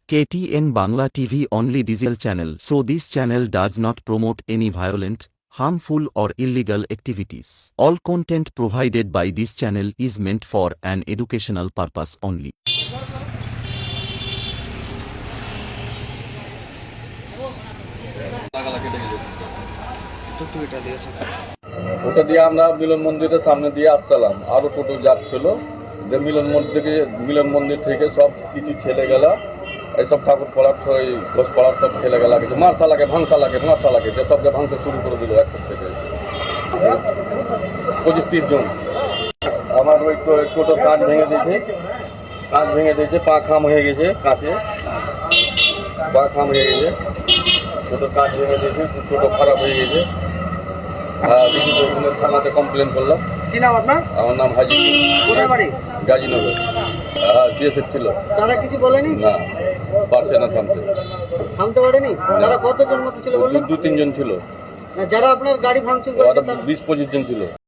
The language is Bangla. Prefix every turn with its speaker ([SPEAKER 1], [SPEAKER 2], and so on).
[SPEAKER 1] KTN Bangla TV only digital channel, so this channel does not promote any violent, harmful or illegal activities. All content provided by this channel is meant for an educational purpose only.
[SPEAKER 2] ওটা দিয়ে আমরা মিলন মন্দিরের সামনে দিয়ে আসছিলাম, আরো টোটো যাচ্ছিল যে মিলন মন্দির থেকে সব কিছু ছেলে গেলা এইসব ঠাকুর পাড়ার ঘোষ পাড়ার সব ছেলে গেলা কিছু মার্শালাকে ভাঙসালাকে যে সবকে ভাঙতে শুরু করে দিল একটু থেকে 25-30 জন। আমার ওই টোটোর কাঁচ ভেঙে দিয়েছে, পা খাম হয়ে গেছে, টোটোর কাঁচ ভেঙে দিয়েছে, টোটো খারাপ হয়ে গেছে। থানাতে কমপ্লেন করলাম।
[SPEAKER 3] কি নাম আপনার?
[SPEAKER 2] আমার নাম হাজি।
[SPEAKER 3] কোথায় বাড়ি?
[SPEAKER 2] গাজীনগর। বিএসএফ ছিল।
[SPEAKER 3] তারা কিছু বলেনি?
[SPEAKER 2] না, পারছে না
[SPEAKER 3] থামতে পারেনি। তারা কতজন মতো ছিল বললেন?
[SPEAKER 2] 2-3 জন ছিল।
[SPEAKER 3] না, যারা আপনার গাড়ি ভাঙচুর করেছে
[SPEAKER 2] 20-25 জন ছিল।